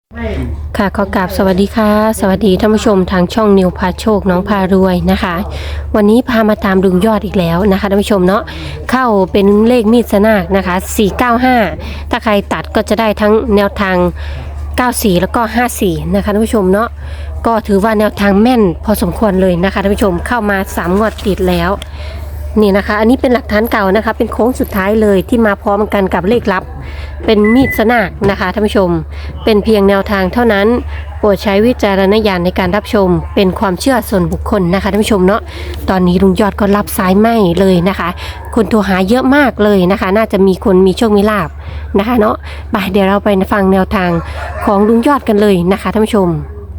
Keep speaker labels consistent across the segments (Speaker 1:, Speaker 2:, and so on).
Speaker 1: ค่ะขอกราบสวัสดีค่ะสวัสดีท่านผู้ชมทางช่องนิวพาโชคน้องพารวยนะคะ วันนี้พามาตามลุงยอดอีกแล้วนะคะท่านผู้ชมเนาะเข้าเป็นเลขมีดสนากนะคะ495ถ้าใครตัดก็จะได้ทั้งแนวทาง94แล้วก็54นะคะท่านผู้ชมเนาะก็ถือว่าแนวทางแม่นพอสมควรเลยนะคะท่านผู้ชมเข้ามา3งวดติดแล้วนี่นะคะอันนี้เป็นหลักฐานเก่านะคะเป็นโค้งสุดท้ายเลยที่มาพร้อมกันกับเลขลับเป็นมีดสนากนะคะท่านผู้ชมเป็นเพียงแนวทางเท่านั้นโปรดใช้วิจารณญาณในการรับชมเป็นความเชื่อส่วนบุคคลนะคะท่านผู้ชมเนาะตอนนี้ลุงยอดก็รับสายไหมเลยนะคะคนโทรหาเยอะมากเลยนะคะน่าจะมีคนมีโชคมีลาภนะคะเนาะไปเดี๋ยวเราไปฟังแนวทางของลุงยอดกันเลยนะคะท่านผู้ชม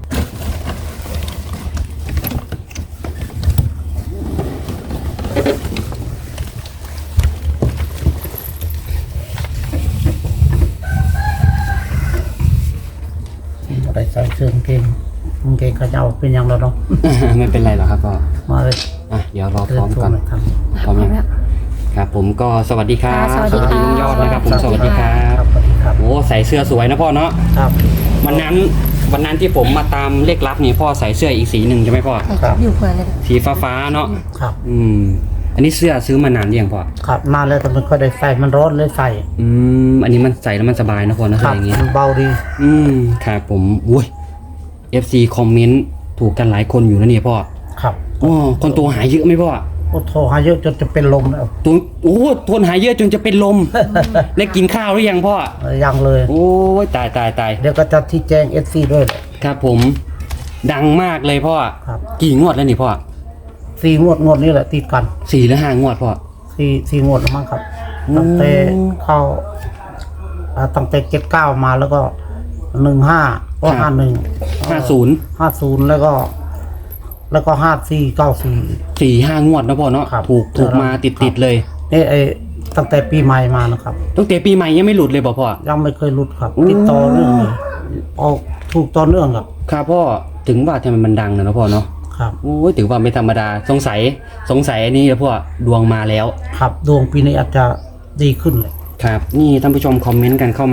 Speaker 2: อะไรใส่เสื้อกางเกงเขาจะเอาเป็นอย่างเราเนาะ
Speaker 3: ไม่เป็นไรหรอกครับก็
Speaker 2: มาเลย
Speaker 3: เดี๋ยวรอพร้อมกัน
Speaker 2: ครับ
Speaker 3: พร้อมยังครับผมก็สวัสดีครับ
Speaker 1: สวัสดีค่ะ
Speaker 3: ลุงยอดนะครับผมสวัสดีครับ
Speaker 2: สวัสดีครับ
Speaker 3: โอ้ใส่เสื้อสวยนะพ่อเนาะ
Speaker 2: ครับ
Speaker 3: วันนั้นที่ผมมาตามเลขลับนี่พ่อใส่เสื้ออีกสีหนึ่งใช่ไหมพ่อ
Speaker 2: ครับ
Speaker 1: อยู่เพื่อนเลย
Speaker 3: สีฟ้าเนาะ
Speaker 2: ครับ
Speaker 3: อันนี้เสื้อซื้อมานานหรือยังพ่อ
Speaker 2: ครับนานแล้วแต่มันก็ได้ใส่มันร้อนเลยใส่
Speaker 3: อันนี้มันใส่แล้วมันสบายนะพ่อนะ
Speaker 2: ค
Speaker 3: ใส่
Speaker 2: รับ
Speaker 3: อย่างงี้
Speaker 2: มันเบาดี
Speaker 3: ครับผมอุ้ย FC คอมเมนต์ถูกกันหลายคนอยู่นะเนี่ยพ่อ
Speaker 2: ครับ
Speaker 3: อ๋อคนตัวหายเยอะไหมพ่อ
Speaker 2: โอ้โทรหาเยอะจนจะเป็นลมแล้ว
Speaker 3: ตัวทนหายเยอะจนจะเป็นลม ได้กินข้าวหรือยังพ่อ
Speaker 2: ยังเลย
Speaker 3: โอ้ยตาย
Speaker 2: เดี๋ยวก็จะที่แจ้ง FC ด้วยแหละ
Speaker 3: ครับผมดังมากเลยพ่อ
Speaker 2: ครับ
Speaker 3: กี่งวดแล้วนี่พ่อ
Speaker 2: 4 งวดนี่แหละติดกัน
Speaker 3: 4 หรือ 5 งวดพ่อ
Speaker 2: 4 งวดแล้วมั้งครับ
Speaker 3: อืม
Speaker 2: ตั้งแต่เข้าตั้งแต่79มาแล้วก็15ก็51
Speaker 3: 50
Speaker 2: 50แล้วก็54 94
Speaker 3: 4-5 งวดนะพ่อเนาะ
Speaker 2: ครับ
Speaker 3: ถูกมาติดเลย
Speaker 2: นี่ตั้งแต่ปีใหม่มานะครับ
Speaker 3: ตั้งแต่ปีใหม่ยังไม่หลุดเลยพ่อ
Speaker 2: ยังไม่เคยหลุดครับ
Speaker 3: อืม
Speaker 2: ติดต่อเรื่องเลยออกถูกต่อเนื่องครับ
Speaker 3: ครับพ่อถึงว่าทำไมมันดังนะพ่อเนาะ
Speaker 2: ครับ
Speaker 3: โอ้ยถือว่าไม่ธรรมดาสงสัยอันนี้นะพ่อดวงมาแล้ว
Speaker 2: ครับดวงปีนี้อาจจะดีขึ้นเลย
Speaker 3: ครับนี่ท่านผู้ชมคอมเมนต์กันเข้ามา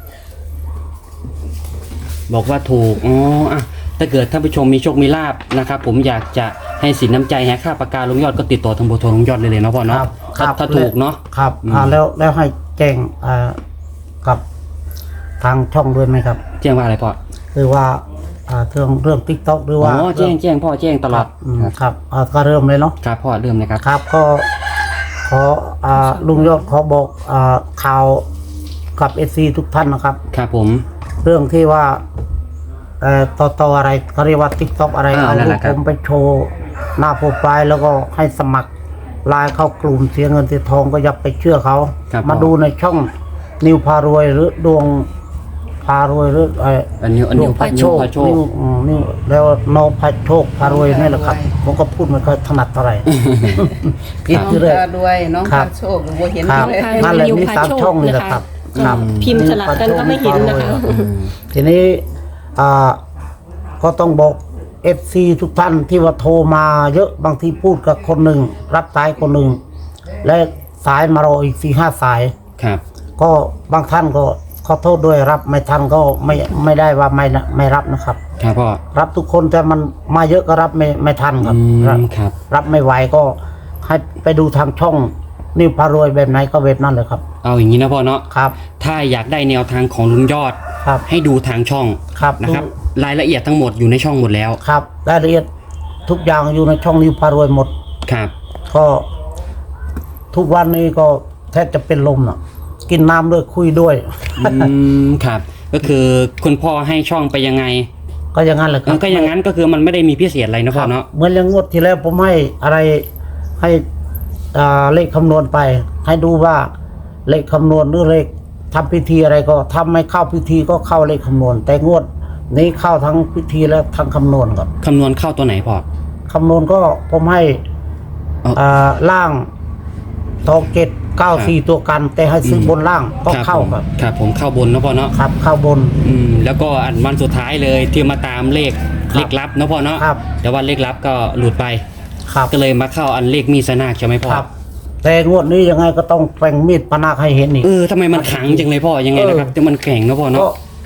Speaker 3: บอกว่าถูกถ้าเกิดท่านผู้ชมมีโชคมีลาภนะครับผมอยากจะให้สินน้ำใจให้ค่าปากกาลุงยอดก็ติดต่อทางเบอร์โทรลุงยอดเลยเนาะพ่อเนาะถ้าถูกเนาะ
Speaker 2: ครับ
Speaker 3: อืม
Speaker 2: แล้วให้แจ้งกับทางช่องด้วยไหมครับ
Speaker 3: แจ้งว่าอะไรพ่อ
Speaker 2: คือว่าเรื่อง TikTok หรือว่า
Speaker 3: แจ้งพ่อแจ้งตลอด
Speaker 2: ครับก็เริ่มเลยเนาะ
Speaker 3: ครับพ่อเริ่มเลยครับ
Speaker 2: ครับก็ขอลุงยอดขอบอกข่าวกับ SC ทุกท่านนะครับ
Speaker 3: ครับผม
Speaker 2: เรื่องที่ว่าต่ออะไรเขาเรียกว่า TikTok อะไรเอา
Speaker 3: นั่น
Speaker 2: รู
Speaker 3: แห
Speaker 2: ป
Speaker 3: ละค
Speaker 2: ผ
Speaker 3: รับ
Speaker 2: มไปโชว์หน้าโปรไฟล์แล้วก็ให้สมัครไลน์เข้ากลุ่มเสียเงินเสียทองก็อย่าไปเชื่อเขา มาดูในช่องนิวพารวยหรือดวงพารวยหรือ
Speaker 3: อันนี้พาโชค
Speaker 2: นิวแล้วโนพาโชคพารวยนี่แหละครับผมก็พูดไม่ค่อยถนัดเท่าไหร่ผิด
Speaker 4: น้อง
Speaker 2: คือเลย
Speaker 4: พาด้วยน้อง
Speaker 2: ครั
Speaker 4: พา
Speaker 2: บ
Speaker 4: โชคบัวเห็น
Speaker 2: ครับ
Speaker 4: เลย
Speaker 2: นั่นแหละมี3ช่องนี่แหละครับครับ
Speaker 1: พิมพ์สลับกันก็ไม่เห็นนะคะ
Speaker 2: ทีนี้ก็ต้องบอก FC ทุกท่านที่ว่าโทรมาเยอะบางทีพูดกับคนหนึ่งรับสายคนหนึ่งและสายมารออีก4-5 สาย
Speaker 3: ครับ
Speaker 2: ก็บางท่านก็ขอโทษด้วยรับไม่ทันก็ไม่ได้ว่าไม่รับนะครับ
Speaker 3: ครับพ่อ
Speaker 2: รับทุกคนแต่มันมาเยอะก็รับไม่ทันครับ
Speaker 3: ครับ
Speaker 2: รับไม่ไหวก็ให้ไปดูทางช่องนิวพารวยแบบไหนก็แบบนั้นเลยครับ
Speaker 3: เอาอย่างนี้นะพ่อเนาะ
Speaker 2: ครับ
Speaker 3: ถ้าอยากได้แนวทางของลุงยอด
Speaker 2: ครับ
Speaker 3: ให้ดูทางช่อง
Speaker 2: ครับ
Speaker 3: นะครับรายละเอียดทั้งหมดอยู่ในช่องหมดแล้ว
Speaker 2: ครับรายละเอียดทุกอย่างอยู่ในช่องนิวพารวยหมด
Speaker 3: ครับ
Speaker 2: ก็ทุกวันนี้ก็แทบจะเป็นลมน่ะ กินน้ำด้วยคุยด้วย
Speaker 3: ครับก็คือคุณพ่อให้ช่องไปยังไง
Speaker 2: ก็อย่างนั้นแหละครับ
Speaker 3: ก็อย่างนั้นก็คือมันไม่ได้มีพิเศษอะไรนะพ่อเนาะ
Speaker 2: เหมือนอย่างงวดที่แล้วผมให้อะไรให้เลขคำนวณไป ให้ดูว่าเลขคำนวณหรือเลขทำพิธีอะไรก็ทำไม่เข้าพิธีก็เข้าเลขคำนวณ แต่งวดนี้เข้าทั้งพิธีและทั้งคำนวณก่อน
Speaker 3: คำนวณเข้าตัวไหนพ่อ
Speaker 2: คำนวณก็ผมให้ ล่างทอง794ตัวกัน แต่ให้ซื้อบนล่างก็เข้าครับ
Speaker 3: ครับผมเข้าบนนะพ่อเนาะ
Speaker 2: ครับเข้าบน
Speaker 3: แล้วก็อันวันสุดท้ายเลยที่มาตามเลข
Speaker 2: ครับ
Speaker 3: เลขลับนะพ่อเนาะ
Speaker 2: ครับ
Speaker 3: แต่ว่าเลขลับก็หลุดไป
Speaker 2: ครับ
Speaker 3: ก็เลยมาเข้าอันเลขมีสนากใช่ไหมพ่อ
Speaker 2: ครับ แต่งวดนี้ยังไงก็ต้องแปลงมีดปนาคให้เห็นอีก
Speaker 3: ทำไมมันขังจังเลยพ่อยังไงนะครับแต่มันแข็งนะพ่อเนาะ
Speaker 2: ก็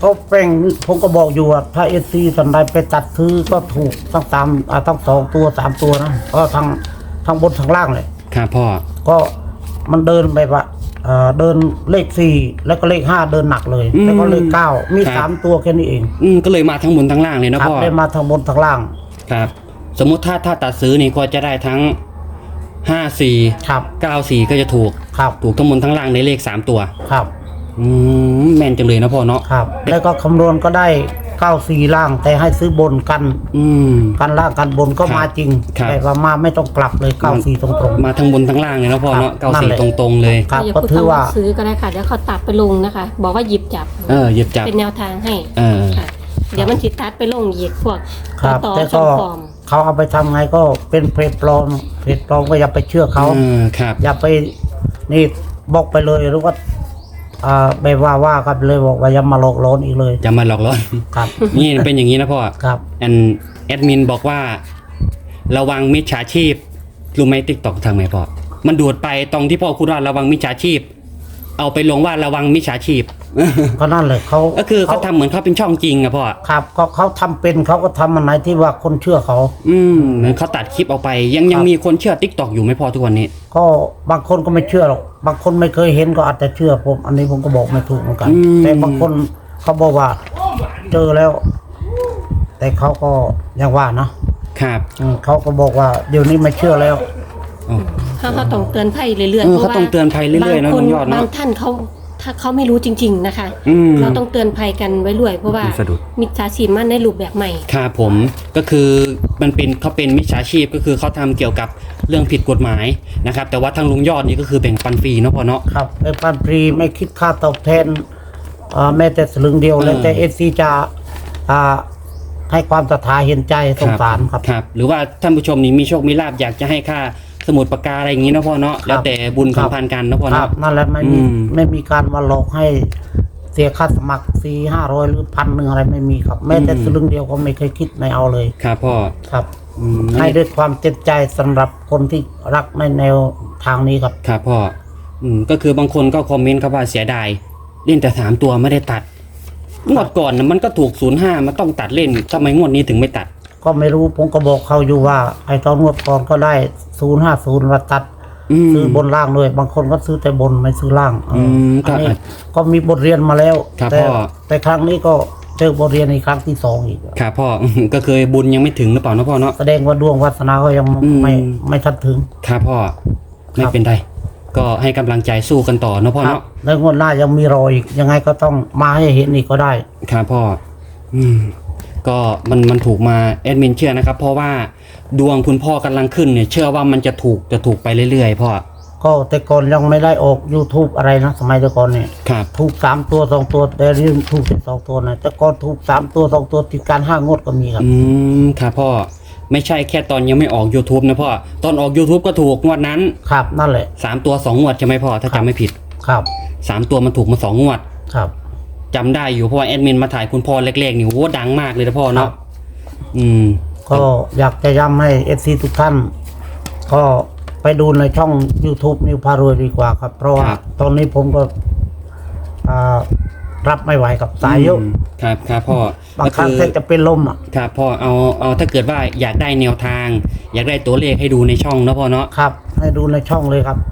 Speaker 2: ก็แป้งผมก็บอกอยู่ว่าถ้าเอซีสันใดไปตัดซื้อก็ถูกทั้งทั้ง2 ตัว 3 ตัวนะก็ทั้งบนทั้งล่างเลย
Speaker 3: ครับพ่อ
Speaker 2: ก็มันเดินแบบว่าเดินเลข4แล้วก็เลข5เดินหนักเลยแล้วก็เลข9มี3 ตัวแค่นี้เอง
Speaker 3: ก็เลยมาทั้งบนทั้งล่างเลยนะ
Speaker 2: ครับ
Speaker 3: พ่อ
Speaker 2: ได้มาทั้งบนทั้งล่าง
Speaker 3: ครับ สมมุติถ้าตัดซื้อนี่ก็จะได้ทั้ง54
Speaker 2: ครับ
Speaker 3: 94ก็จะถูก
Speaker 2: ครับ
Speaker 3: ถูกทั้งบนทั้งล่างในเลข3ตัว
Speaker 2: ครับ
Speaker 3: แม่นจังเลยนะพ่อเนาะ
Speaker 2: ครับ แล้วก็คำนวณก็ได้94ล่าง แต่ให้ซื้อบนกัน กันล่างกันบนก็มาจริง
Speaker 3: ครับ
Speaker 2: แต่ว่ามาไม่ต้องกลับเลย94ตรงๆ
Speaker 3: มาทั้งบนทั้งล่างเลยนะพ่อเนาะ
Speaker 2: ครับนั่นแหละ
Speaker 3: 94ตรงๆเลย
Speaker 2: ครับ
Speaker 1: อย่า
Speaker 2: ก็
Speaker 1: พูด
Speaker 2: ถือ
Speaker 1: คำ
Speaker 2: ว่า
Speaker 1: ว่าซื้อก็ได้ค่ะเดี๋ยวเขาตัดไปลงนะคะ บอกว่าหยิบจับ
Speaker 3: หยิบจับ
Speaker 1: เป็นแนวทางให้
Speaker 3: เออ
Speaker 1: ค่ะเดี๋ยวมันสิตัดไปลงอีกพวก
Speaker 2: ครับ
Speaker 1: ต่อ
Speaker 2: แต่
Speaker 1: ช่
Speaker 2: ก็
Speaker 1: องฟอร์ม
Speaker 2: เขาเอาไปทำไงก็เป็นเพจปลอมก็อย่าไปเชื่อเขา
Speaker 3: ครับ
Speaker 2: อย่าไปนี่บอกไปเลยหรือว่าไปว่ากันเลยบอกว่าอย่ามาหลอกหลอนอีกเลย
Speaker 3: จะมาหลอกล่อน
Speaker 2: ครับ
Speaker 3: นี่เป็นอย่างนี้นะพ่อ
Speaker 2: ครับ
Speaker 3: แอดมินบอกว่า ระวังมิจฉาชีพรู้ไหมติ๊กตอกทางไหนพ่อ มันดูดไปตรงที่พ่อพูดว่าระวังมิจฉาชีพ เอาไปลงว่าระวังมิจฉาชีพ
Speaker 2: ก็นั่นเลยเขา
Speaker 3: ก็คือเขาทำเหมือนเขาเป็นช่องจริงอะพ่อ
Speaker 2: ครับก็เขาทำเป็นเขาก็ทำอันไหนที่ว่าคนเชื่อเขา
Speaker 3: เหมือนเขาตัดคลิปออกไป ยัง
Speaker 2: ครับ
Speaker 3: มีคนเชื่อติ๊กตอกอยู่ไหมพ่อทุกวันนี้
Speaker 2: ก็บางคนก็ไม่เชื่อหรอกบางคนไม่เคยเห็นก็อาจจะเชื่อผมอันนี้ผมก็บอกไม่ถูกเหมือนกัน แต่บางคนเขาบอกว่าเจอแล้ว แต่เขาก็ยังว่านะครับ เขาก็บอกว่าเดี๋ยวนี้ไม่เชื่อแล้ว
Speaker 1: เขาต้องเตือนภัยเรื่อยๆ
Speaker 3: เขาต้องเตือนภัยเรื่อยๆนะ
Speaker 1: บางค
Speaker 3: น้
Speaker 1: น
Speaker 3: องยอดเนอะ
Speaker 1: บางท่านถ้าเขาไม่รู้จริง ๆนะคะ เราต้องเตือนภัยกันไว้ด้วยเพราะว่า
Speaker 3: สะดุด
Speaker 1: มิจฉาชีพมันในรูปแบบใหม่
Speaker 3: ครับผมก็คือเขาเป็นมิจฉาชีพก็คือเขาทำเกี่ยวกับเรื่องผิดกฎหมายนะครับ แต่ว่าทางลุงยอดนี่ก็คือแบ่งปันฟรีเนาะพ่อเนาะ
Speaker 2: ครับในปันฟรีไม่คิดค่าตอบแทนแม้แต่สลึงเดียวแล้วแต่เอซีจะให้ความศรัทธาเห็นใจสงสารครับ
Speaker 3: ครับ หรือว่าท่านผู้ชมนี่มีโชคมีลาภอยากจะให้ค่าสมุดปากกาอะไรอย่างนี้เนาะพ่อเนาะแล้วแต่บุญสัมพันธ์กันเนาะพ่อ
Speaker 2: ครั
Speaker 3: เนาะ
Speaker 2: บนั่นแหละไม่มีการมาหลอกให้เสียค่าสมัคร400-500หรือ1,100อะไรไม่มีครับ แม้แต่สลึงเดียวก็ไม่เคยคิดไม่เอาเลย
Speaker 3: ครับพ่อ
Speaker 2: ครับ
Speaker 3: อืม
Speaker 2: ให้ด้วยความเต็มใจสำหรับคนที่รักในแนวทางนี้ครับ
Speaker 3: ครับพ่อก็คือบางคนก็คอมเมนต์ครับว่าเสียดายเล่นแต่3ตัวไม่ได้ตัดงวดก่อนนะมันก็ถูก05มันต้องตัดเล่นทำไมงวดนี้ถึงไม่ตัด
Speaker 2: ก็ไม่รู้ผมก็บอกเขาอยู่ว่าไอ้ตอนงวดก่อนก็ได้050มาตัด ซื้อบนล่างด้วยบางคนก็ซื้อแต่บนไม่ซื้อล่าง
Speaker 3: ค
Speaker 2: อั
Speaker 3: รับ
Speaker 2: นนี้ก็มีบทเรียนมาแล้ว
Speaker 3: ครับ
Speaker 2: แต่
Speaker 3: พ่อ
Speaker 2: แต่ครั้งนี้ก็เจอบทเรียนในครั้งที่2อีก
Speaker 3: ครับพ่อ ก็เคยบุญยังไม่ถึงหรือเปล่าเนาะพ่อเนาะ
Speaker 2: แสดงว่าดวงวาสนาก็ยัง
Speaker 3: อืม
Speaker 2: ไม่ทันถึง
Speaker 3: ครับพ่อไม่
Speaker 2: ครับ
Speaker 3: เป็นไรก็ให้กำลังใจสู้กันต่อเนาะพ่อ
Speaker 2: ครับ
Speaker 3: เนาะ
Speaker 2: แล้วงวดหน้ายังมีรออีกยังไงก็ต้องมาให้เห็นอีกก็ได้
Speaker 3: ครับพ่อก็มันถูกมาแอดมินเชื่อนะครับ เพราะว่าดวงคุณพ่อกำลังขึ้นเนี่ยเชื่อว่ามันจะถูกไปเรื่อยๆพ่อ
Speaker 2: ก็แต่ก่อนยังไม่ได้ออก YouTube อะไรนะสมัยแต่ก่อนเนี่ย
Speaker 3: ครับ
Speaker 2: ถูก3ตัว2ตัวแต่เรื่องถูกแต่2ตัวนะแต่ก่อนถูก3ตัว2ตัวติดการ5งวดก็มีครับ
Speaker 3: ครับพ่อไม่ใช่แค่ตอนยังไม่ออก YouTube นะพ่อตอนออก YouTube ก็ถูกงวดนั้น
Speaker 2: ครับนั่นแหละ
Speaker 3: 3 ตัว 2 งวดใช่ไหมพ่อถ้าจำไม่ผิด
Speaker 2: ครับ
Speaker 3: 3 ตัวมันถูกมา2 งวด
Speaker 2: ครับ
Speaker 3: จำได้อยู่เพราะว่าแอดมินมาถ่ายคุณพ่อเล็กๆนี่โอ้ดังมากเลยนะพ่อ
Speaker 2: ครั
Speaker 3: เนาะ
Speaker 2: บ
Speaker 3: ก็
Speaker 2: ก็อยากจะย้ำให้ FC ทุกท่าน ก็ไปดูในช่อง YouTube นิวพารวยดีกว่าครับ เพราะว่าตอนนี้ผมก็รับไม่ไหวกับสายเยอะ
Speaker 3: ครับพ่อบ
Speaker 2: างครั้งแทบจะเป็นลมอ่ะ
Speaker 3: ครับพ่อเอาถ้าเกิดว่าอยากได้แนวทาง อยากได้ตัวเลขให้ดูในช่องเนาะพ่อเนาะ
Speaker 2: ครับ ให้ดูในช่องเลยครับ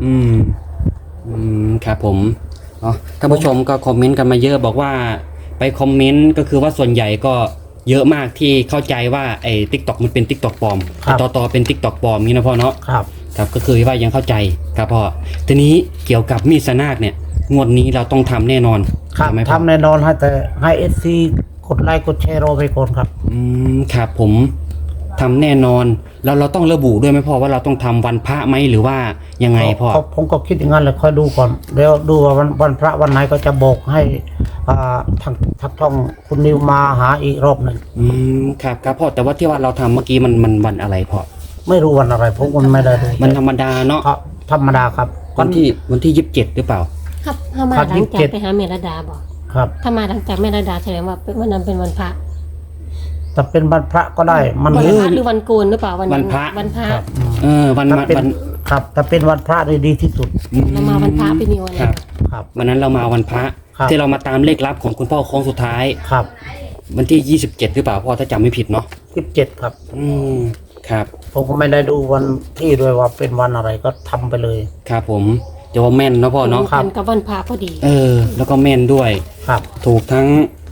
Speaker 3: ครับผมท่านผู้ชมก็คอมเมนต์กันมาเยอะบอกว่าไปคอมเมนต์ก็คือว่าส่วนใหญ่ก็เยอะมากที่เข้าใจว่าไอ้ TikTok มันเป็น TikTok ปลอม
Speaker 2: ครับ
Speaker 3: ต่อเป็น TikTok ปลอมนี่นะพ่อเนาะ
Speaker 2: ครับ
Speaker 3: ครับก็คือว่ายังเข้าใจครับพ่อทีนี้เกี่ยวกับมีดสนากเนี่ยงวดนี้เราต้องทำแน่นอน
Speaker 2: ครับ
Speaker 3: ใช่ไหมพ่อ
Speaker 2: ทำแน่นอนให้แต่ให้ FC กดไลค์กดแชร์รอไปก่อนครับ
Speaker 3: ครับผมทำแน่นอนแล้วเราต้องระบุด้วยไหมพ่อว่าเราต้องทำวันพระไหมหรือว่ายังไงพ่อ
Speaker 2: ผมก็คิดอย่างนั้นเลยค่อยดูก่อนแล้วดูว่าวันพระวันไหนก็จะบอกให้ทางช่องคุณนิวมาหาอีกรอบหนึ่ง
Speaker 3: ครับพ่อแต่ว่าที่ว่าเราทำเมื่อกี้มันวันอะไรพ่อ
Speaker 2: ไม่รู้วันอะไรผมก็ไม่ได้ดู
Speaker 3: มันธรรมดาเนาะ
Speaker 2: ครับธรรมดาครับ
Speaker 3: วันที่27หรือเปล่า
Speaker 1: ครับถ้ามา
Speaker 2: ครับ
Speaker 1: หลังจาก
Speaker 2: 27
Speaker 1: ไปหาเมรดาบอก
Speaker 2: ครับ
Speaker 1: ถ้ามาหลังจากเมรดาแสดงว่าวันนั้นเป็นวันพระ
Speaker 2: แต่เป็นวันพระก็ได้มัน
Speaker 1: วันพระหรือวันโกนหรือเปล่าวันนั้น
Speaker 3: วันพระ
Speaker 1: วันพระ
Speaker 2: ครับ
Speaker 3: วัน
Speaker 2: ถ้าเป็น
Speaker 3: วัน
Speaker 2: ครับแต่เป็นวันพระนี่ดีที่สุด
Speaker 1: เรามาวันพระไปนิวอะไร
Speaker 3: ครับ
Speaker 2: ครับ
Speaker 3: วันนั้นเรามาวันพระ
Speaker 2: ครับ
Speaker 3: ที่เรามาตามเลขลับของคุณพ่อโค้งสุดท้าย
Speaker 2: ครับ
Speaker 3: วันที่27หรือเปล่าพ่อถ้าจำไม่ผิดเนาะ
Speaker 2: 17ครับ
Speaker 3: อืมครับ
Speaker 2: ผมก็ไม่ได้ดูวันที่ด้วยว่าเป็นวันอะไรก็ทำไปเลย
Speaker 3: ครับผมจะว่าแม่นเนาะพ่อเนาะ
Speaker 2: ครับ
Speaker 1: กันกับวันพระพอดี
Speaker 3: แล้วก็แม่นด้วย
Speaker 2: ครับ
Speaker 3: ถูกทั้ง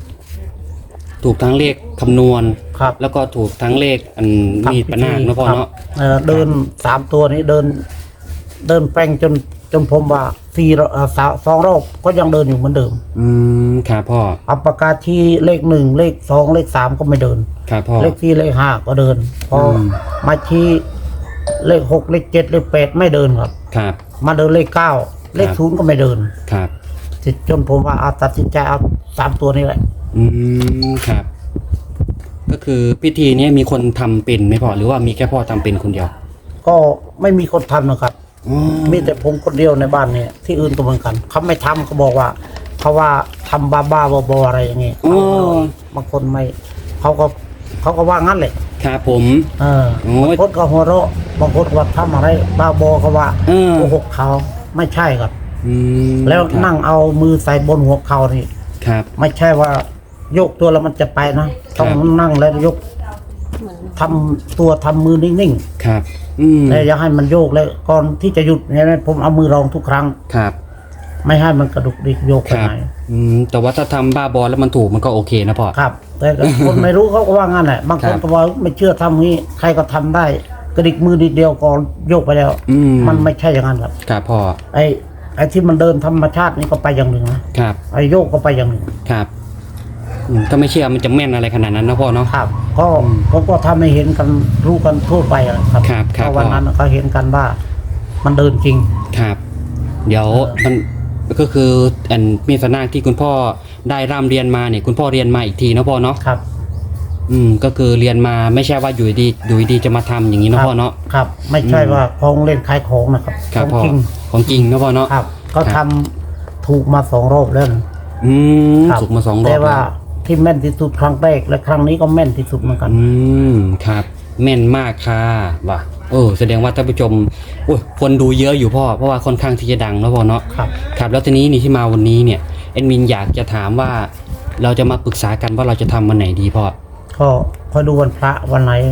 Speaker 3: เลขคำนวณ
Speaker 2: ครับ
Speaker 3: แล้วก็ถูกทั้งเลขอันมีดปะนาคเนาะพ่อ
Speaker 2: ครับ
Speaker 3: เนาะ
Speaker 2: เดิน3 ตัวนี้เดินแป้งจนผมว่า2 รอบก็ยังเดินอยู่เหมือนเดิม
Speaker 3: ครับพ่อ
Speaker 2: เอาปากกาที่เลข 1 เลข 2 เลข 3ก็ไม่เดิน
Speaker 3: ครับพ่อ
Speaker 2: เลข4เลข 5ก็เดิน พออ
Speaker 3: ม
Speaker 2: มาชี้เลข 6 เลข 7 เลข 8ไม่เดินครับ
Speaker 3: ครับ
Speaker 2: มาเดินเลข 9 เลข 0ก็ไม่เดิน
Speaker 3: ครับ
Speaker 2: จนผมว่าตัดสินใจเอา3 ตัวนี้แหละ
Speaker 3: ครับ ก็คือพิธีนี้มีคนทำเป็นไหมพ่อหรือว่ามีแค่พ่อทำเป็นคนเดียว
Speaker 2: ก็ไม่มีคนทำนะครับ
Speaker 3: อ๋อ
Speaker 2: มีแต่ผมคนเดียวในบ้านเนี่ยที่อื่นก็เหมือนกันเขาไม่ทำเขาบอกว่าเขาว่าทำบ้าๆบอๆอะไรอย่างเงี้ย
Speaker 3: อ๋อ
Speaker 2: บางคนไม่เขาก็ว่างั้นแหละ
Speaker 3: ครับผม
Speaker 2: เออ
Speaker 3: โอ้ย
Speaker 2: บางคนก็หัวเราะบางคนก็ว่าทำอะไรบ้าบอเขาว่า
Speaker 3: เออ
Speaker 2: โกหกเขาไม่ใช่ครับ
Speaker 3: อืม
Speaker 2: แล้ว
Speaker 3: ครับ
Speaker 2: นั่งเอามือใส่บนหัวเขานี่
Speaker 3: ครับ
Speaker 2: ไม่ใช่ว่าโยกตัวแล้วมันจะไปนะต้องนั่งแล้วยกทำตัวทำมือนิ่ง
Speaker 3: ครับ
Speaker 2: ๆแล้วอย่าให้มันโยกเลยก่อนที่จะหยุดเนี่ยผมเอามือรองทุกครั้ง
Speaker 3: ครับ
Speaker 2: ไม่ให้มันกระดุกดิกโยก
Speaker 3: ค
Speaker 2: ไป
Speaker 3: รับ
Speaker 2: ไหน
Speaker 3: แต่ว่าถ้าทำบ้าบอแล้วมันถูกมันก็โอเคนะพ่อ
Speaker 2: ครับ แต่คนไม่รู้เขาก็ว่างั้นแหละบางคน
Speaker 3: ครับ
Speaker 2: ก็บอกไม่เชื่อทำงี้ใครก็ทำได้ กระดิกมือนิดเดียวก็โยกไปแล้ว มันไม่ใช่อย่างนั้นครับ
Speaker 3: ครับพ่อ
Speaker 2: ไอ้ที่มันเดินธรรมชาตินี่ก็ไปอย่างหนึ่งนะครับ ไอ้โยกก็ไปอย่างหนึ่ง
Speaker 3: ครับถ้าไม่เชื่อมันจะแม่นอะไรขนาดนั้นนะพ่อเนาะ
Speaker 2: ครับ ก็ผมก็ทำให้เห็นกันรู้กันทั่วไปอะครับ
Speaker 3: ครับครับ
Speaker 2: เพราะวันนั้นเขาเห็นกันว่า มันเดินจริง
Speaker 3: ครับ เดี๋ยวมันก็คืออันมีสนาคที่คุณพ่อได้ร่ำเรียนมาเนี่ยคุณพ่อเรียนมาอีกทีนะพ่อเนาะ
Speaker 2: ครับ
Speaker 3: ก็คือเรียนมาไม่ใช่ว่าอยู่ดีจะมาทำอย่างนี้
Speaker 2: ค
Speaker 3: นะ
Speaker 2: รับ
Speaker 3: พ่อเนาะ
Speaker 2: ครับ ไม่ใช่ว่าของเล่นขายของนะครับ
Speaker 3: ครับ
Speaker 2: ข
Speaker 3: พ่
Speaker 2: อ
Speaker 3: อง
Speaker 2: จริง
Speaker 3: ของจริงนะพ่อเนาะ
Speaker 2: ครับก็ทำถูกมา2 รอบแล้วนะ ครับ
Speaker 3: สุกมา2 รอบ
Speaker 2: แต่ว่า
Speaker 3: แล้ว
Speaker 2: ที่แม่นที่สุดครั้งแรกและครั้งนี้ก็แม่นที่สุดเหมือนกัน
Speaker 3: ครับ แม่นมากค่ะว่ะแสดงว่าท่านผู้ชมโอ้ยคนดูเยอะอยู่พ่อเพราะว่าค่อนข้างที่จะดังนะพ่อเนาะ
Speaker 2: ครับ
Speaker 3: ครับแล้วทีนี้นี่ที่มาวันนี้เนี่ยแอดมินอยากจะถามว่าเราจะมาปรึกษากันว่าเราจะทำวันไหนดีพ่อ
Speaker 2: ก็คอยดูวันพระวันไหน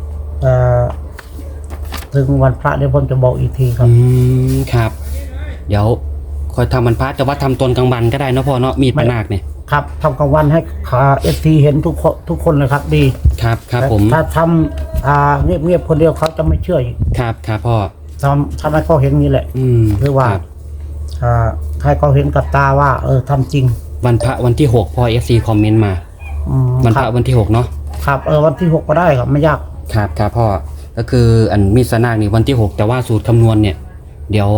Speaker 2: ถึงวันพระเดี๋ยวผมจะบอกอีกทีครับ
Speaker 3: ครับ เดี๋ยวคอยทำมันพระแต่ว่าทำตอนกลางวันก็ได้นะพ่อเนาะมีดปะนาคเนี่ย
Speaker 2: ครับทำกลางวันให้FT เห็นทุกคนเลยครับดี
Speaker 3: ครับครับผม
Speaker 2: ถ้าทำเงียบๆคนเดียวเขาจะไม่เชื่ออีก
Speaker 3: ครับครับพ่อ
Speaker 2: ทำให้เขาเห็นนี่แหละ คือว่า
Speaker 3: ครับ
Speaker 2: ให้เขาเห็นกับตาว่าทำจริง
Speaker 3: วันพระวันที่6พ่อ FC คอมเมนต์มา วันพ
Speaker 2: ค
Speaker 3: ระ
Speaker 2: รับ
Speaker 3: วันที่6เนาะ
Speaker 2: ครับวันที่ 6ก็ได้ครับไม่ยาก
Speaker 3: ครับครับพ่อก็คืออันมีดสนากนี่วันที่6แต่ว่าสูตรคำนวณเนี่ย เดี๋ยว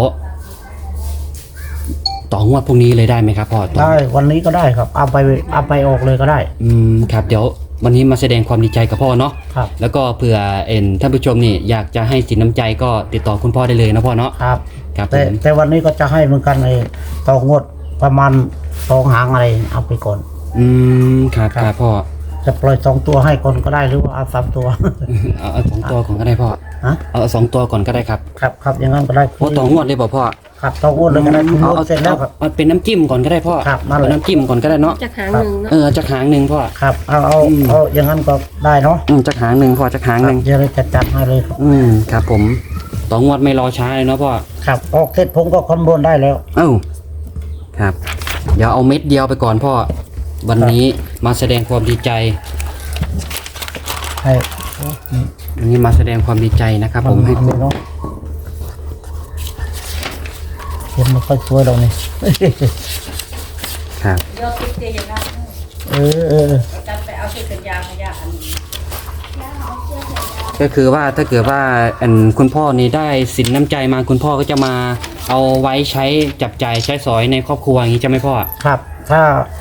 Speaker 3: ต่องวดพรุ่งนี้เลยได้ไหมครับพ่อต่อ
Speaker 2: ได้วันนี้ก็ได้ครับเอาไปออกเลยก็ได้
Speaker 3: ครับเดี๋ยววันนี้มาแสดงความดีใจกับพ่อเนาะ
Speaker 2: ครับ
Speaker 3: แล้วก็เผื่อท่านผู้ชมนี่อยากจะให้สินน้ำใจก็ติดต่อคุณพ่อได้เลยนะพ่อเนาะ
Speaker 2: ครับ
Speaker 3: ครับผ
Speaker 2: แต่
Speaker 3: ม
Speaker 2: วันนี้ก็จะให้เหมือนกันต่องวดประมาณ2 หางอะไรเอาไปก่อน
Speaker 3: ครับ
Speaker 2: ครับ
Speaker 3: ครับพ่อ
Speaker 2: จะปล่อย2 ตัวให้ก่อนก็ได้หรือว่าเอา3 ตัว
Speaker 3: เอา2 ตัวก่อนก็ได้พ่อ
Speaker 2: ฮะ
Speaker 3: เอา2 ตัวก่อนก็ได้ครับ
Speaker 2: ครับอย่างนั้นก็ได้
Speaker 3: โอ้ต่องวดเลยบอกพ่อ
Speaker 2: ครับต่องวดเลยก็ได้คุณงวดเสร็จแล้วครับ
Speaker 3: เอาเป็นน้ำจิ้มก่อนก็ได้พ่อ
Speaker 2: ครับนั่นแหละ
Speaker 3: เอาน้ำจิ้มก่อนก็ได้เนาะ
Speaker 1: จากหางหนึ่งเนาะ
Speaker 3: จากหางหนึ่งพ่อ
Speaker 2: ครับเอาอย่างนั้นก็ได้เนาะ
Speaker 3: จากหางหนึ่งพ่อจากหางหนึ่ง
Speaker 2: เดี๋ยวเราจะจัดให้เลยครับ
Speaker 3: ครับผมต่องวดไม่รอช้าเลยเนาะพ่อ
Speaker 2: ครับออกเสร็จผมก็คำนวณได้แล้ว
Speaker 3: ครับ เดี๋ยวเอาเม็ดเดียวไปก่อนพ่อ วันนี้มาแสดงความดีใจ
Speaker 2: ให้
Speaker 3: วันนี้มาแสดงความดีใจนะครับผมให้
Speaker 2: เอาเนาะเห็นไม่ค่อยสวยตรงนี้
Speaker 3: ครับ
Speaker 4: เดี๋ยวติดเตียงนะ
Speaker 2: เออ
Speaker 4: จะไปเอาเสื้อกันยาวมาย่าอันนี้
Speaker 3: ก็คือว่าถ้าเกิดว่าคุณพ่อนี่ได้สินน้ำใจมาคุณพ่อก็จะมาเอาไว้ใช้จับจ่ายใช้สอยในครอบครัวอย่างนี้ใช่ไหมพ่อ
Speaker 2: ครับ ถ้า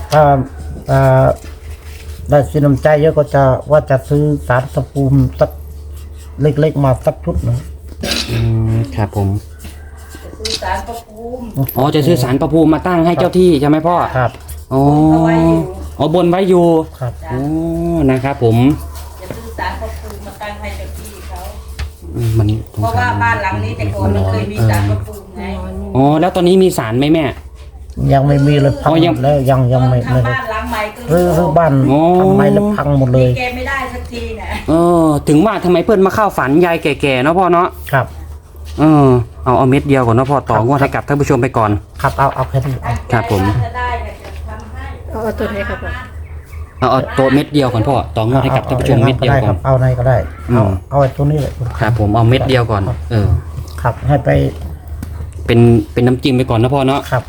Speaker 2: ได้สินน้ำใจเยอะก็จะว่าจะซื้อสารตะปูมสักเล็กๆมาสักชุดหนึ่ง
Speaker 3: ครับผม
Speaker 4: จะซื้อสารพระภูมิ
Speaker 3: จะซื้อสารประภูมิมาตั้งให้เจ้าที่ใช่ไหมพ่อ
Speaker 2: ครับ
Speaker 3: อ๋อ
Speaker 4: เอาไว้อยู่
Speaker 3: บนไว้อยู่
Speaker 2: ครับ
Speaker 3: อ๋อนะครับผม
Speaker 4: จะซื้อสารพระภูมิมาตั้งให้เจ้าที่เขา
Speaker 3: มัน
Speaker 4: เพราะว่าบ้านหลังนี้แต่ก่อนมันเคยมีสารพระภูมิไง
Speaker 3: แล้วตอนนี้มีสารไหมแม่
Speaker 2: ยังไม่มีเลยพัง
Speaker 3: อ๋อ
Speaker 2: หมดแล้วยังไม่
Speaker 4: ทำ
Speaker 2: ไม่ได้
Speaker 4: บ้านหลังใหม่ก็
Speaker 2: รื้อบ้าน
Speaker 3: อ๋อ
Speaker 2: ทำไมแล้วพังหมดเลย
Speaker 4: แกไม่ได้สักทีนะ
Speaker 3: ถึงว่าทำไมเพื่อนมาเข้าฝันยายแก่ๆเนาะพ่อเนาะ
Speaker 2: ครับ
Speaker 3: เอาเม็ดเดียวก่อนเนาะพ่อต่องวดให้กับท่านผู้ชมไปก่อน
Speaker 2: ครับเอาแค่นี้เอา
Speaker 3: ครับผม
Speaker 4: จะได้เนี่ยจะทำให้
Speaker 1: เอาตัวไหนครับผม
Speaker 3: เอาตัวเม็ดเดียวก่อนพ่อต่องวดให้กับท่านผู้ชมเม็ดเดียวก่อน
Speaker 2: เอาไหนก็ได้
Speaker 3: อืม
Speaker 2: เอาไอ้ตัวนี้เลย
Speaker 3: ครับผมเอาเม็ดเดียวก่อน
Speaker 2: ครับให้ไป
Speaker 3: เป็นน้ำจิ้มไปก่อนนะพ่อเนาะ
Speaker 2: ครับ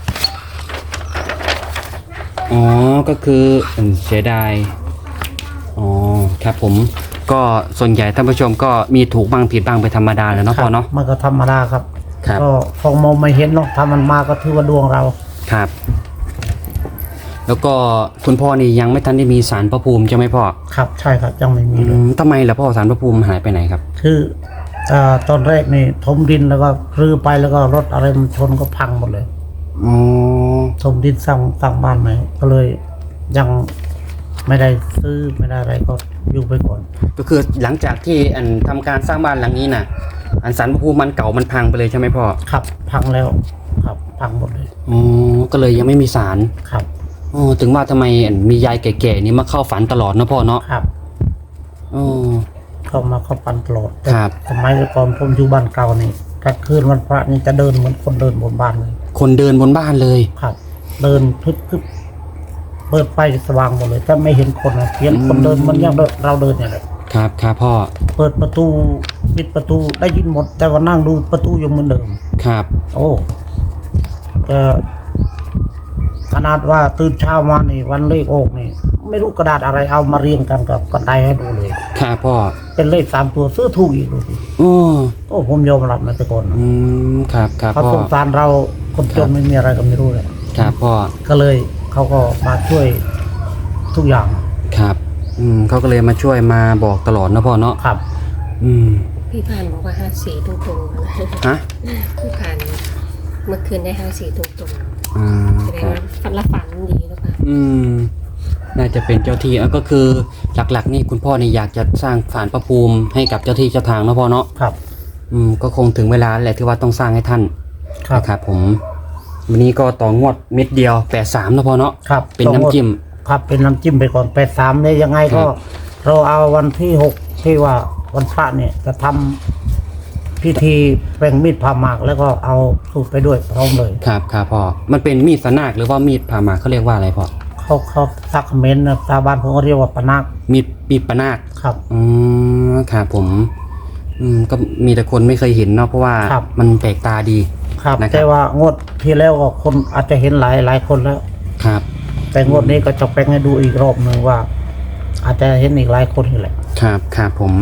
Speaker 3: อ๋อก็คือเสียดายอ๋อครับผมก็ส่วนใหญ่ท่านผู้ชมก็มีถูกบ้างผิดบ้างไปธรรมดาเลยเนาะพ่อเนาะ
Speaker 2: มันก็ธรรมดาครับ
Speaker 3: ครับ
Speaker 2: ก็คงมองไม่เห็นเนาะถ้ามันมาก็ถือว่าดวงเรา
Speaker 3: ครับ แล้วก็คุณพ่อนี่ยังไม่ทันได้มีศาลพระภูมิใช่ไหมพ่อ
Speaker 2: ครับใช่ครับยังไม่มีเลย
Speaker 3: ทำไมล่ะพ่อศาลพระภูมิหายไปไหนครับ
Speaker 2: คือตอนแรกนี่ถมดินแล้วก็รื้อไปแล้วก็รถอะไรมันชนก็พังหมดเลย
Speaker 3: อ๋อ
Speaker 2: ถมดินสร้างบ้านใหม่ก็เลยยังไม่ได้ซื้อไม่ได้อะไรก็อยู่ไปก่อน
Speaker 3: ก็คือหลังจากที่ทำการสร้างบ้านหลังนี้น่ะศาลพระภูมิมันเก่ามันพังไปเลยใช่ไหมพ่อ
Speaker 2: ครับพังแล้วครับพังหมดเลย
Speaker 3: อ๋อก็เลยยังไม่มีศาล
Speaker 2: ครับ
Speaker 3: อ๋อถึงว่าทำไมมียายแก่ๆนี่มาเข้าฝันตลอดนะพ่อเนาะ
Speaker 2: ครับ
Speaker 3: อ๋อ
Speaker 2: เข้ามาเข้าปันตลอด
Speaker 3: ครับ
Speaker 2: สมัยก่อนผมอยู่บ้านเก่านี่กลางคืนวันพระนี่จะเดินเหมือนคนเดินบนบ้านเลย
Speaker 3: คนเดินบนบ้านเลย
Speaker 2: ครับ เดินทึบเปิดไฟสว่างหมดเลยแต่ไม่เห็นคนนะเห็นคนเดินมันยังเราเดินอย่างไร
Speaker 3: ครับครับพ่อ
Speaker 2: เปิดประตูปิดประตูได้ยินหมด แต่ว่านั่งดูประตูยังเหมือนเดิม
Speaker 3: ครับ
Speaker 2: โอ้ก็ขนาดว่าตื่นเช้ามานี่วันเลขออกนี่ ไม่รู้กระดาษอะไรเอามาเรียงกันกับกันไดให้ดูเลย
Speaker 3: ครับพ่อ
Speaker 2: เป็นเลข3 ตัวซื้อถูกอีกดูสิ
Speaker 3: อ๋อ
Speaker 2: โอ้ผมยอมรับนะแต่ก่อน
Speaker 3: ครับครับ
Speaker 2: เขา
Speaker 3: พ่อ
Speaker 2: สงสารเราคนจนไม่มีอะไรก็ไม่รู้เลย
Speaker 3: ครับพ่อ
Speaker 2: ก็เลยเขาก็มาช่วยทุกอย่าง
Speaker 3: ครับเขาก็เลยมาช่วยมาบอกตลอดนะพ่อเนาะ
Speaker 2: ครับ
Speaker 1: พี่พานบอกว่า54ตรงๆ
Speaker 3: ฮะ
Speaker 1: พี่พานเมื่อคืนได้54ตรงๆแสด
Speaker 3: ค
Speaker 1: ง
Speaker 3: รับ
Speaker 1: ว่าฝันละฝันดีหรือเปล่า
Speaker 3: น่าจะเป็นเจ้าที่ก็คือหลักๆนี่คุณพ่อนี่อยากจะสร้างศาลพระภูมิให้กับเจ้าที่เจ้าทางนะพ่อเนาะ
Speaker 2: ครับ
Speaker 3: ก็คงถึงเวลาแหละที่ว่าต้องสร้างให้ท่าน
Speaker 2: ครับ
Speaker 3: นะครับผมวันนี้ก็ต่องวดเม็ดเดียว83นะพ่อเนาะ
Speaker 2: ครับ
Speaker 3: เป็นน้ำจิ้ม
Speaker 2: ครับเป็นน้ำจิ้มไปก่อน83เนี่ยยังไงก็
Speaker 3: ครับ
Speaker 2: เราเอาวันที่6ที่ว่าวันพระเนี่ยจะทำพิธีแปลงมีดผ่าหมากแล้วก็เอาสูตรไปด้วยพร้อมเลย
Speaker 3: ครับครับพ่อมันเป็นมีดสนากหรือว่ามีดผ่าหมากเขาเรียกว่าอะไรพ่อ
Speaker 2: เขาซักเมนนะชาวบ้านผมก็เรียกว่าปะนัก
Speaker 3: มีดปะนาค
Speaker 2: ครับ
Speaker 3: ครับผมก็มีแต่คนไม่เคยเห็นเนาะเพราะว่า
Speaker 2: ครับ
Speaker 3: มันแปลกตาดี
Speaker 2: ครับ
Speaker 3: นะครับ
Speaker 2: แต่ว่างวดที่แล้วก็คนอาจจะเห็นหลายคนแล้ว
Speaker 3: ครับ
Speaker 2: แต่งวดนี้ก็จะแปลงให้ดูอีกรอบหนึ่งว่า อาจจะเห็นอีกหลายคนนี่แหละ
Speaker 3: ครับครับผม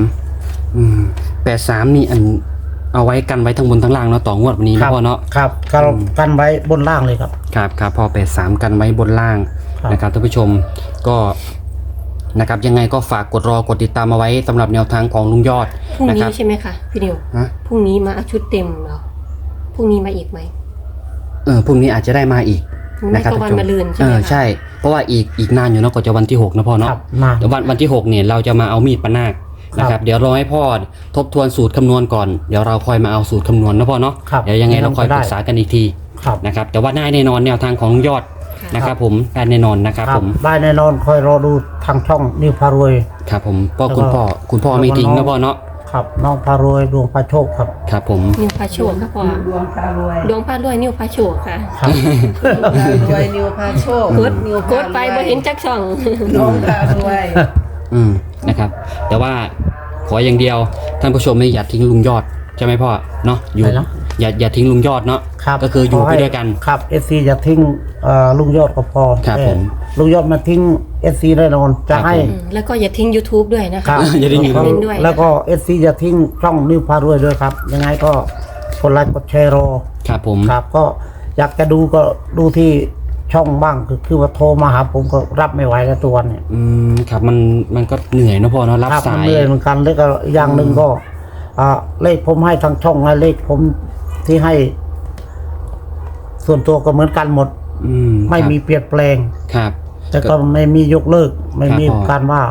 Speaker 3: 83นี่เอาไว้กันไว้ทั้งบนทั้งล่างเนาะต่องวดวันนี้
Speaker 2: ครั
Speaker 3: นะพ่อเนาะ
Speaker 2: ครับกันไว้บนล่างเลยครับ
Speaker 3: ครับครับพอ83กันไว้บนล่าง
Speaker 2: ครับ
Speaker 3: นะครับท่านผู้ชมก็นะครับยังไงก็ฝากกดติดตามเอาไว้สำหรับแนวทางของลุงยอด
Speaker 1: พรุ่ง
Speaker 3: นะ
Speaker 1: นี้
Speaker 3: ครับ
Speaker 1: ใช่ไหมคะพี่นิว
Speaker 3: ฮะ
Speaker 1: พรุ่งนี้มาเอาชุดเต็มเหรอพรุ่งนี้มาอีกไหม
Speaker 3: พรุ่งนี้อาจจะได้มาอีก
Speaker 1: ไม่
Speaker 3: นะครับ
Speaker 1: ก็วัน
Speaker 3: ท่านผู้ช
Speaker 1: มะรืนใช่ไหมคะ
Speaker 3: ใช่ เพราะว่าอีกนานอยู่เนาะก็จะวันที่6นะพ่อเนาะ
Speaker 2: ครับนาน
Speaker 3: เดี๋ยววันที่6เนี่ยเราจะมาเอามีดปะนาคนะค
Speaker 2: ครั
Speaker 3: รับบ เดี๋ยวรอให้พ่อทบทวนสูตรคำนวณก่อนเดี๋ยวเราค่อยมาเอาสูตรคำนวณนะพ่อเนาะ
Speaker 2: ครับ
Speaker 3: เดี๋ยวยังไงเราค่อย
Speaker 2: ได้
Speaker 3: ปรึกษากันอีกที
Speaker 2: ครับ
Speaker 3: นะครับแต่ว่าได้แน่นอนแนวทางของลุงยอดนะครับผมได้แน่นอนนะครับผม
Speaker 2: ได้แน่นอนคอยรอดูทางช่องนิวพารวย
Speaker 3: ครับผมเพราะ
Speaker 2: แล้วก็
Speaker 3: คุณพ่อไม่ทิ้งนะพ่อเนาะ
Speaker 2: ครับน้องพารวยดวงพาโชคครับ
Speaker 3: ครับผม
Speaker 1: นิวพาโชคค่ะพ่อ
Speaker 4: ดวงพารวย
Speaker 1: ดวงพารวยนิวพาโชคค่ะ
Speaker 2: ครับ
Speaker 4: รวยนิวพาโชค
Speaker 1: กด
Speaker 4: นิว
Speaker 1: กดไปบ่เห็นจักช่อง
Speaker 4: น้องพารวย
Speaker 3: นะครับแต่ว่าขออย่างเดียวท่านผู้ชมไม่อย่าทิ้งลุงยอดใช่ไหมพ่อเนาะอยู่
Speaker 2: อะไรนะ
Speaker 3: อย่าทิ้งลุงยอดเนาะ
Speaker 2: ครับ
Speaker 3: ก็คืออยู่
Speaker 2: ข
Speaker 3: ไป
Speaker 2: ให้
Speaker 3: ด้วยกัน
Speaker 2: ครับเอซีจะทิ้งลุงยอดก็พอ
Speaker 3: ครับ
Speaker 2: แต่
Speaker 3: ผม
Speaker 2: ลุงยอดมาทิ้งเอซีแน่นอนจะให้
Speaker 3: ครับผม
Speaker 1: แล้วก็อย่าทิ้ง YouTube ด้วยนะ
Speaker 2: ครั
Speaker 1: คะ
Speaker 2: บ
Speaker 3: อย่าทิ้ง
Speaker 2: แล้วก็
Speaker 1: YouTube ด้วย
Speaker 2: แล้วก็เอซีจะทิ้งช่องนิวพารวยด้วยครับ ยังไงก็กดไลค์กดแชร์รอ
Speaker 3: ครับผม
Speaker 2: ครับก็อยากจะดูก็ดูที่ช่องบ้างคือว่าโทรมาหาผมก็รับไม่ไหวแล้วตัววันเนี่ย
Speaker 3: ครับมันก็เหนื่อยเนอะพ่อเนาะรับ
Speaker 2: ครับ
Speaker 3: สา
Speaker 2: มัน
Speaker 3: ย
Speaker 2: เหนื่อยเหมือนกันแล้วก็อย่างหนึ่งก็เลขผมให้ทางช่องให้เลขผมที่ให้ ส่วนตัวก็เหมือนกันหมด ไม่มีเปลี่ยนแปลง
Speaker 3: ครับ
Speaker 2: แต่ก็ไม่มียกเลิก ไม่มี
Speaker 3: ครับผม
Speaker 2: การว่า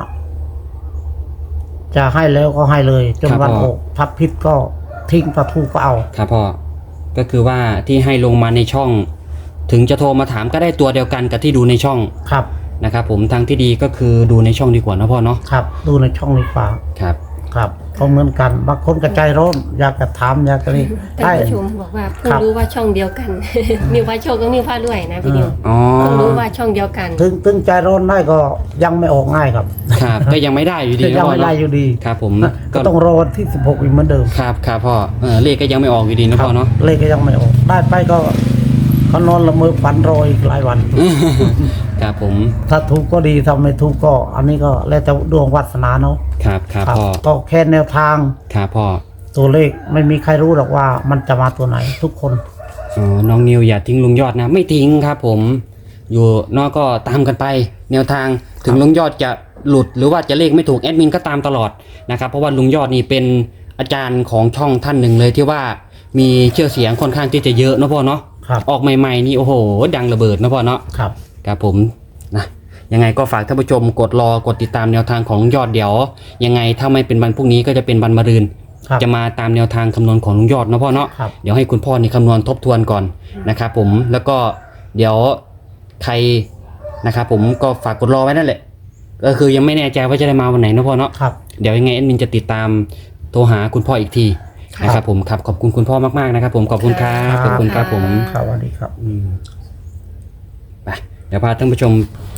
Speaker 2: จะให้แล้วก็ให้เลยจน
Speaker 3: ครับ
Speaker 2: วัน
Speaker 3: ผม
Speaker 2: ออกทับพิษก็ทิ้งถ้าถูกก็เอา
Speaker 3: ครับพ่อก็คือว่าที่ให้ลงมาในช่องถึงจะโทรมาถามก็ได้ตัวเดียวกันกับที่ดูในช่อง
Speaker 2: ครับ
Speaker 3: นะครับผมทางที่ดีก็คือดูในช่องดีกว่านะพ่อเนาะ
Speaker 2: ครับดูในช่องดีกว่า
Speaker 3: ครับ
Speaker 2: ครับก็เหมือนกันบางคนก็ใจร้อนอยากจะถามอยากจะนี่
Speaker 1: ท่านผู้ชมบอกว่าเพิ่งรู้ว่าช่องเดียวกัน นิวพาโชคกับนิวพารวยนะพี่นิว
Speaker 3: อ๋อ
Speaker 1: เพิ่งรู้ว่าช่องเดียวกัน
Speaker 2: ถึงใจร้อนได้ก็ยังไม่ออกง่ายครับ
Speaker 3: ครับก็ยังไม่ได้อยู่ดี
Speaker 2: ยั
Speaker 3: นะ
Speaker 2: ง
Speaker 3: พ่อ
Speaker 2: ไม่ได้
Speaker 3: เนาะ
Speaker 2: อยู่ดี
Speaker 3: ครับผม
Speaker 2: ก็ต้องรอวันที่ 16 อีกเหมือนเดิม
Speaker 3: ครับครับพ่อเลขก็ยังไม่ออกอยู่ดีนะพ่อเนาะ
Speaker 2: เลขก็ยังไม่ออกได้ไปก็เขานอนละเมอฝันรออีกหลายวัน
Speaker 3: ครับผม
Speaker 2: ถ้าถูกก็ดีถ้าไม่ถูกก็ อันนี้ก็แล้วแต่ดวงวาสนาเนาะ
Speaker 3: ครับครับ
Speaker 2: ครับ
Speaker 3: พ่อ
Speaker 2: ก็แค่แนวทาง
Speaker 3: ครับพ่อ
Speaker 2: ตัวเลขไม่มีใครรู้หรอกว่ามันจะมาตัวไหนทุกคน
Speaker 3: อ๋อน้องนิวอย่าทิ้งลุงยอดนะ ไม่ทิ้งครับผมอยู่นอกก็ตามกันไป แนวทางถึงลุงยอดจะหลุดหรือว่าจะเลขไม่ถูกแอดมินก็ตามตลอดนะครับเพราะว่าลุงยอดนี่เป็นอาจารย์ของช่องท่านหนึ่งเลยที่ว่ามีเชื่อเสียงค่อนข้างที่จะเยอะนะพ่อเนาะ
Speaker 2: ครับ
Speaker 3: ออกใหม่ๆนี่โอ้โหดังระเบิดนะพ่อเนาะ
Speaker 2: ครับ
Speaker 3: ครับผมนะยังไงก็ฝากท่านผู้ชมกดรอกดติดตามแนวทางของลุงยอดเดี๋ยวยังไงถ้าไม่เป็นวันพรุ่งนี้ก็จะเป็นวันมะรืน
Speaker 2: ครับ
Speaker 3: จะมาตามแนวทางคำนวณของลุงยอดนะพ่อเนาะ
Speaker 2: ครับ
Speaker 3: เดี๋ยวให้คุณพ่อนี่คำนวณทบทวนก่อนนะครับผมแล้วก็เดี๋ยวใครนะครับผมก็ฝากกดรอไว้นั่นแหละก็คือยังไม่แน่ใจว่าจะได้มาวันไหนนะพ่อเนาะ
Speaker 2: ครับ
Speaker 3: เดี๋ยวยังไงแอดมินจะติดตามโทรหาคุณพ่ออีกทีนะครับผมครับขอบคุณคุณพ่อมากๆนะครับผมขอบคุณครับขอบคุณครับผม
Speaker 2: ครับสวัสดีครับ
Speaker 3: ไปเดี๋ยวพาท่านผู้ชม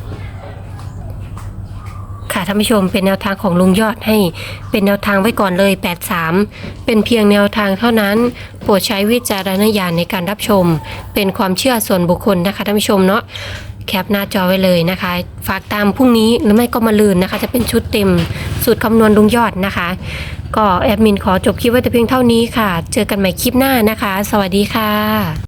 Speaker 1: ค่ะท่านผู้ชมเป็นแนวทางของลุงยอดให้เป็นแนวทางไว้ก่อนเลย 83 เป็นเพียงแนวทางเท่านั้น โปรดใช้วิจารณญาณในการรับชม เป็นความเชื่อส่วนบุคคลนะคะท่านผู้ชมเนาะแคปหน้าจอไว้เลยนะคะ ฝากตามพรุ่งนี้หรือไม่ก็มาลืนนะคะ จะเป็นชุดเต็มสูตรคำนวณลุงยอดนะคะ ก็แอดมินขอจบคลิปไว้แต่เพียงเท่านี้ค่ะ เจอกันใหม่คลิปหน้านะคะ สวัสดีค่ะ